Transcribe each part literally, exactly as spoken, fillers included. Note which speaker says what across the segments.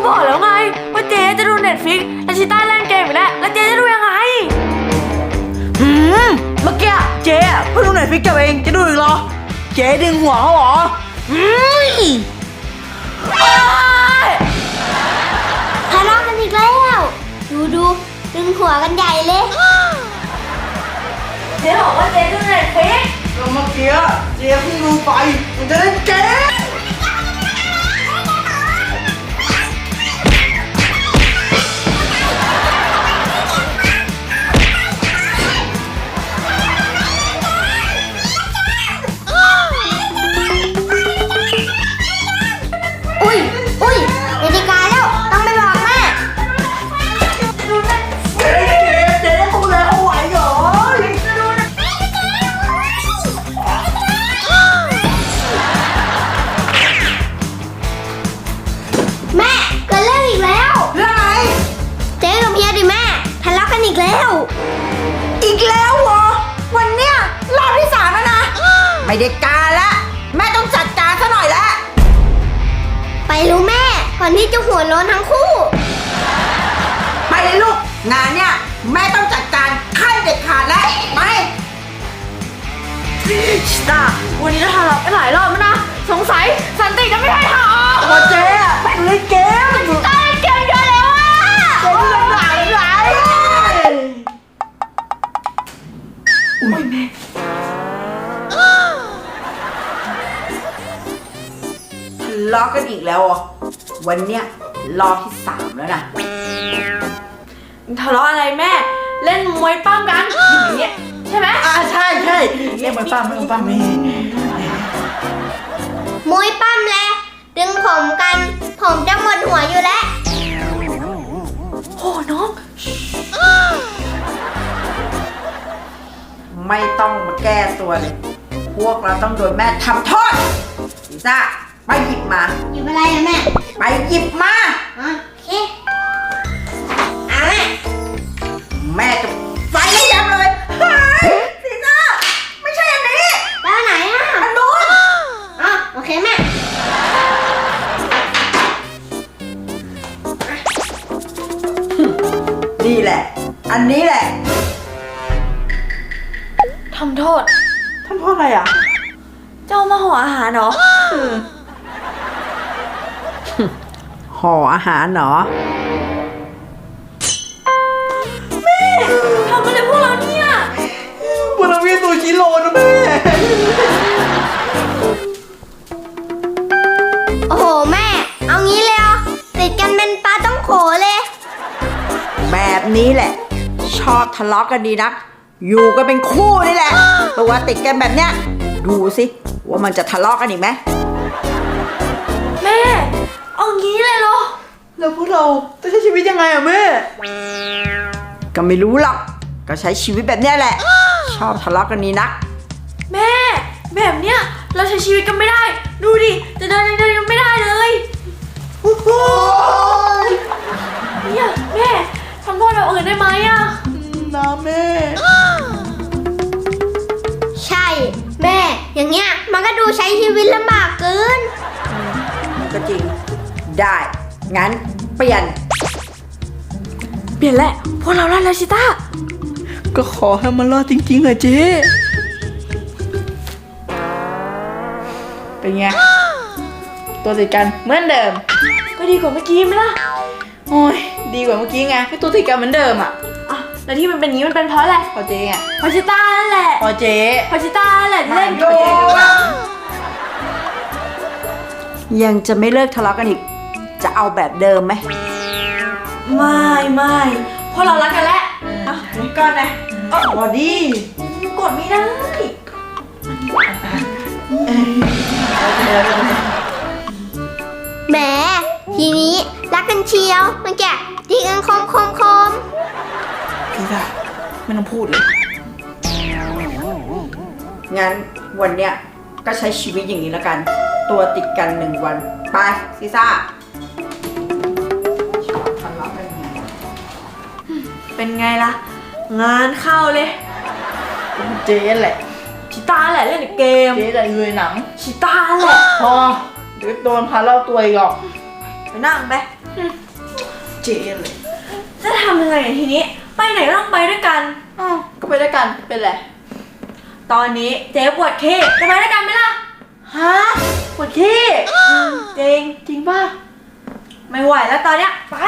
Speaker 1: บอกแล้วไงว่าเจ๊จะดูเน็ตฟลิกซ์แล้วชิต้าเล่นเกมอยู่แล้วแล้วเจ๊จะดูยังไง
Speaker 2: หืมเมื่อกี้เจ๊เพิ่งดูเน็ตฟลิกซ์กับเองจะดูอีกเหรอเจ๊ดึงหัวเขาเหรออืม
Speaker 3: ทะเลาะกันอีกแล้วดูดูดึงหัวกันใหญ่เลย
Speaker 1: เจ๊บอกว่าเจ๊ดูเน็ตฟลิกซ์
Speaker 2: ก็เมื่อกี้เจ๊เพิ่งดูไปมันจะเล่นเกม
Speaker 3: อุ้ยอุ้ยเดี๋ยวจะกลายแล้วต้องไปบอกแม่
Speaker 2: เจ๊เจ๊เขาแล้วเขาไหวเหรอ
Speaker 3: แม่เกิดเรื่องอีกแล้ว
Speaker 2: เรื่องอะไร
Speaker 3: เจ๊กับเฮียดิแม่ทะเลาะกันอีกแล้ว
Speaker 2: อีกแล้วเหรอวันเนี้ยรอบที่สามแล้วนะไม่ได้การละแม่ต้องจัดการซะหน่อยละ
Speaker 3: ไปรู้แม่ก่อนที่จะหัวโล้นทั้งคู่
Speaker 2: ไปเลยลูกงานเนี่ยแม่ต้องจัดการขั้นเด็ดขาดแล้วไป
Speaker 1: ชิต้าวันนี้เราทะเลาะกันหลายรอบแล้วนะสงสัยสันติจะไม่ให้ทางออก
Speaker 2: โอเจ๊อะไปเล่นเกม
Speaker 1: ชิต้าเล่นเกมเยอะแล้วอ่ะ
Speaker 2: เจ๊เล่นหลายหลายอุ้ยแม่ทะเลาะกันอีกแล้วอ่ะวันเนี้ยรอบที่สามแล้วนะ
Speaker 1: ทะเลาะอะไรแม่เล่นมวยปั้มกันอย่างเงี้ยใช่ไหม
Speaker 2: อ่าใช่ใช่เล่นมวยปั้มเล่นมวยปั้มมี
Speaker 3: มวยปั้มแล้วดึงผมกันผมจะหมดหัวอยู่แล้ว
Speaker 1: โอ้น้อง
Speaker 2: ไม่ต้องมาแก้ตัวเลยพวกเราต้องโดนแม่ทำโทษลิซ่าไปหยิบมา
Speaker 3: หยิบอะไรอะแม่
Speaker 2: ไปหยิบมา
Speaker 3: โอเคอ่ะแม่
Speaker 2: แม่จะไฟให้ยับเลยเฮ้ยลิซ่าไม่ใช่อันนี้
Speaker 3: แล้วไหนอ่ะ
Speaker 2: อันนู้น
Speaker 3: อ๋อโอเคแม่
Speaker 2: นี่แหละอันนี้แหละ
Speaker 1: ทำโทษ
Speaker 2: ทำโทษอะไรอ่ะ
Speaker 1: เจ้ามาห่ออาหารเหรอ
Speaker 2: ห่ออาหารเหรอ
Speaker 1: แม่ทำอะไรพวกเราเนี่ย
Speaker 2: พวกเราเป็นตัวชิโร่นะแม่
Speaker 3: โอ้โหแม่เอางี้เลยเหรอติดกันเป็นปลาต้องโขเลย
Speaker 2: แบบนี้แหละชอบทะเลาะกันดีนักอยู่กันเป็นคู่นี่แหละตัวติดกันแบบเนี้ยดูสิว่ามันจะทะเลาะกันอีกไหม
Speaker 1: แม่เอางี้เลยเหรอ
Speaker 2: แล้วพวกเราจะใช้ชีวิตยังไงอะแม่ก็ไม่รู้หรอกก็ใช้ชีวิตแบบเนี้ยแหละชอบทะเลาะกันนี่นัก
Speaker 1: แม่แบบเนี้ยเราใช้ชีวิตกันไม่ได้ดูดิจะเดินยังเดินยังไม่ได้เลยเนี่ยแม่ทำโทษเราอื่นได้ไหมอะ
Speaker 2: นะแม่
Speaker 3: ใช่แม่อย่างเงี้ยมันก็ดูใช้ชีวิตลำบากเกิน
Speaker 2: ก็จริงได้งั้นเปลี่ยน
Speaker 1: เปลี่ยนแหละพวกเรารอดแล้วชิต้า
Speaker 2: ก็ขอให้มันรอดจริงๆอะเจ๊เป็นไงตัวติดกันเหมือนเดิม
Speaker 1: ก็ดีกว่าเมื่อกี้ไหมล่ะ
Speaker 2: โอ้ยดีกว่าเมื่อกี้ไงก็ตัวติดกันเหมือนเดิมอะ
Speaker 1: อ่ะแล้วที่มันเป็นอย่างนี้มันเป็นเพราะอะไร
Speaker 2: เพราะเจ๊อะ
Speaker 1: เพราะชิต้านั่นแหละ
Speaker 2: เพราะเจ๊
Speaker 1: เพราะชิต้านั่นแหละเล่นโย
Speaker 2: ยังจะไม่เลิกทะเลาะกันอีกจะเอาแบบเดิมไหม
Speaker 1: ไม่ไม่เพราะเรารักกันแล้วอ่ะนี่ก่อนนะ
Speaker 2: อ๋อดี
Speaker 1: กดไม่ได้
Speaker 3: แหมทีนี้รักกันเชียวมันแกดีกันคมคมคม
Speaker 2: พี่ดาไม่ต้องพูดเลยงั้นวันเนี้ยก็ใช้ชีวิตอย่างนี้แล้วกันตัวติดกันหนึ่งวันไปซิซ่าชอบทะเลาะกันไง
Speaker 1: เป็นไงล่ะงานเข้าเลย
Speaker 2: เจ๊แหละ
Speaker 1: ชิต้าแหละเล่นเกม
Speaker 2: เจ๊จะอยู่ในหนัง
Speaker 1: ชิต้าแหละ
Speaker 2: พอเดี๋ยวโดนพาเล่าตัวอีกหรอก
Speaker 1: ไปนั่งไป
Speaker 4: เจ๊เลย
Speaker 1: จะทำยังไงทีนี้ ไปไหนก็ต้องไปด้วยกัน
Speaker 4: อ้าวก็ไปด้วยกันเป็นไร
Speaker 1: ตอนนี้เจ๊ปวดขี้จะไปด้วยกันไหมล่ะ
Speaker 4: ฮะปวดขี้
Speaker 1: จริง
Speaker 4: จริงป่ะ
Speaker 1: ไม่ไหวแล้วตอนเนี้ยไป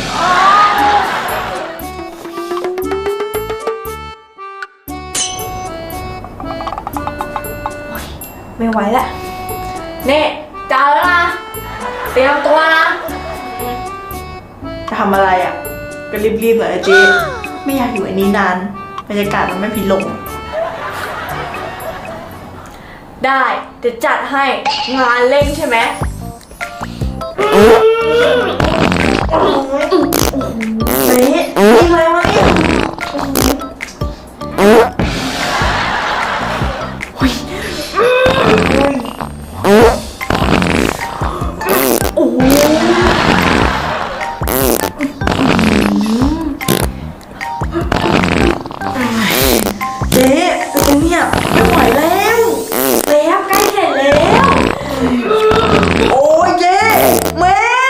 Speaker 1: ไม่ไหวแล้วนี่จ้าแล้วนะเตรียมตัวนะ
Speaker 4: จะทำอะไรอ่ะก็รีบๆหน่อยอะเจ๊ไม่อยากอยู่อันนี้นานบรรยากาศมันไม่พิลม
Speaker 1: ได้จะจัดให้งานเล่งใช่ไหม
Speaker 4: เจ๊ยิงอะไรวะเนี่ยโอ้โหเจ๊ตรงเนี้ยไม่ไหวแล้ว
Speaker 1: แล้วใกล้เสร็จแล้ว
Speaker 4: โอ้ยเจ๊แม่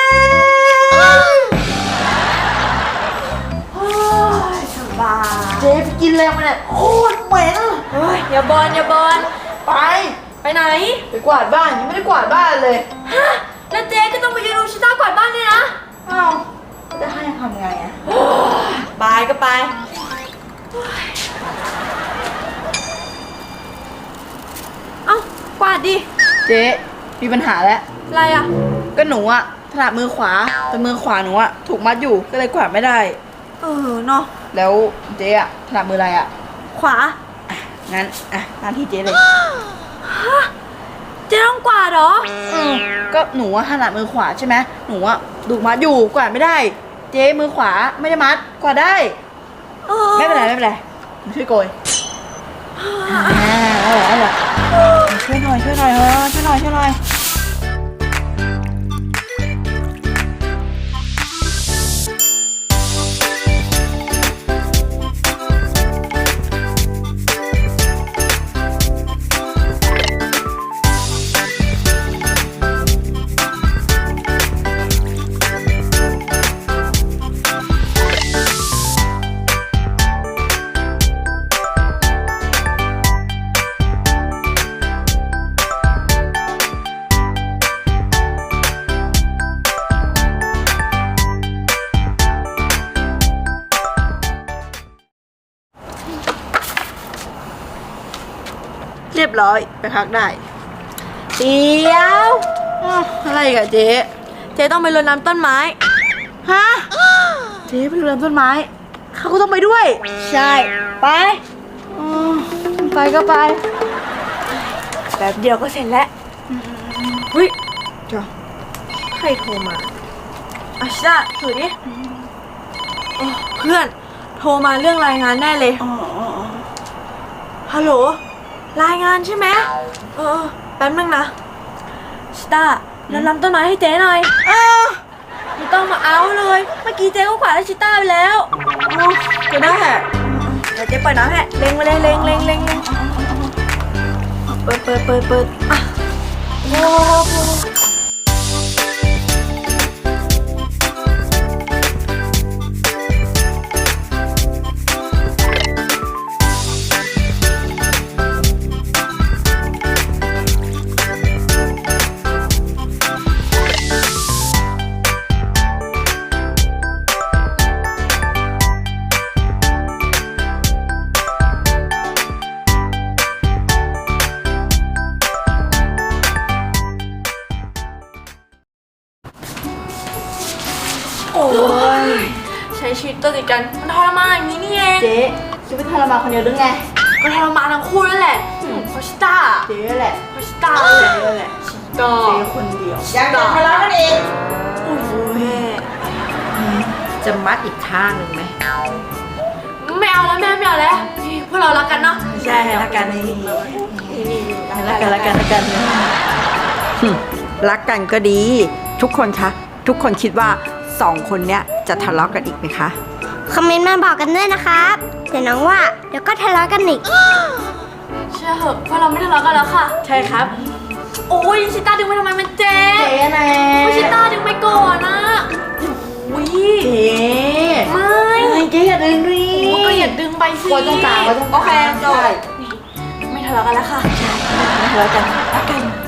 Speaker 1: โอ้ยสบาย
Speaker 4: เจ๊ไปกินอะไรมาเนี่ยโคตรเหม็น
Speaker 1: เฮ้ยอย่าบอลอย่าบอล
Speaker 4: ไป
Speaker 1: ไปไหน
Speaker 4: ไปกวาดบ้านยังไม่ได้กวาดบ้านเลย
Speaker 1: ฮะแล้วเจ๊ก็ต้องไปยืนดูชิต้ากวาดบ้านด้วยนะ
Speaker 4: อ้าวจะให้ทำไงอ่ะ
Speaker 1: ไปก็ไปเอ้ากวาดดิ
Speaker 4: เจ๊มีปัญหาแล้ว
Speaker 1: อะไรอ่ะ
Speaker 4: ก็หนูอะถนัดมือขวาแต่มือขวาหนูอะถูกมัดอยู่ก็เลยกวาดไม่ได้
Speaker 1: เออเนาะ
Speaker 4: แล้วเจ๊อะถนัดมืออะไรอะ
Speaker 1: ขวา
Speaker 4: งั้นอ่ะหน้าที่เจ๊เลย
Speaker 1: เจ๊ต้องกวาดเหรอ
Speaker 4: อืมก็หนูอะถนัดมือขวาใช่ไหมหนูอะถูกมัดอยู่กวาดไม่ได้ เจ๊มือขวาไม่ได้มัดกวาดได้
Speaker 1: เออ
Speaker 4: ไม่เป็นไรไม่เป็นไรหนูช่วยโกยอ่าเอาละเอาละช่วยหน่อยช่วยหน่อยเออช่วยหน่อยช่วยหน่อย เรียบร้อยไปพักได้
Speaker 1: เดี๋ยว
Speaker 4: อ้าวอะไรอีกับเจ๊
Speaker 1: เจ๊ต้องไปรดน้ำต้นไม้
Speaker 4: ฮะเจ๊ไปดูลำต้นไม้เขาก็ต้องไปด้วย
Speaker 1: ใช่ ไป
Speaker 4: อ๋อไปก็ไป
Speaker 1: แบบเดียวก็เสร็จแล้วเฮ้ย
Speaker 4: จ้ะ
Speaker 1: ใครโทรมาอาชิตาถือดิโอ้เพื่อน โทรมาเรื่องรายงานแน่เลย
Speaker 4: อ๋ออ๋ออ๋อ
Speaker 1: ฮัลโหล รายงานใช่ไหมเออ แป๊บนึงนะชิต้าแนะนำต้นไม้ให้เจ๊หน่อย
Speaker 4: อ้าว
Speaker 1: ไม่ต้องมาเอาเลย เมื่อกี้เจ๊ก็กวาดให้ชิต้าไปแล้ว
Speaker 4: อ๋อก็ได้
Speaker 1: เดี๋ยวเจ๊เปิดน้ำให้เล็งมาเลยเล็งเล็งเล็งเล็งเปิดเปิดเปิดเปิดอ่ะโอ้โหโอ้ยใช้ชีวิตตัวติดกันมันทรมานอย่างนี้นี่เอง
Speaker 4: เจ๊คิดว่าทรมานคนเดียวหรือไง
Speaker 1: ก็ทรมานทั้งคู่นั่นแหละเพราะชิต้า
Speaker 4: เจ๊แหละ
Speaker 1: เพราะชิต้า
Speaker 4: เจ๊แหละ
Speaker 1: ก็
Speaker 4: เจ๊คนเดียว
Speaker 2: ยังจะทะเลาะกันอีก
Speaker 1: โอ้ย
Speaker 2: จะมัดอีกข้างหนึ่งไหม
Speaker 1: ไม่เอาแล้วแม่ไม่เอาแล้วนี่พวกเรารักกันเนาะ
Speaker 4: ใช่รักกันนี่รักกันรักกันรักกัน
Speaker 2: รักกันก็ดี ทุกคนคะ ทุกคนคิดว่าสองคนเนี้ยจะทะเลาะกันอีกไหมคะ
Speaker 3: คอมเมนต์มาบอกกันด้วยนะครับแต่น้องว่าเดี๋ยวก็ทะเลาะกันอีก
Speaker 1: เชื่อเหอะพวกเราไม่ทะเลาะกันแล้วค่ะ
Speaker 4: ใช่ครับ
Speaker 1: ใโอ้ยชิต้าดึงไปทำไมมันเจ็บ
Speaker 4: เจ๊นะ
Speaker 1: โอ้ยชิต้าดึงไปก่อนนะอุ้ย
Speaker 4: เจ๊
Speaker 1: ไม่
Speaker 4: ไม่เจ๊อย่าดึงดิ
Speaker 1: โอ้ยก็อย่าดึงไปสิ
Speaker 4: ไว้ตรงกลางไว้ตรงกลาง
Speaker 1: โอเคจบ
Speaker 4: ได้
Speaker 1: ไม่ทะเลาะกันแล้วค่ะ
Speaker 4: ไม่ทะเลาะกัน
Speaker 1: รักกัน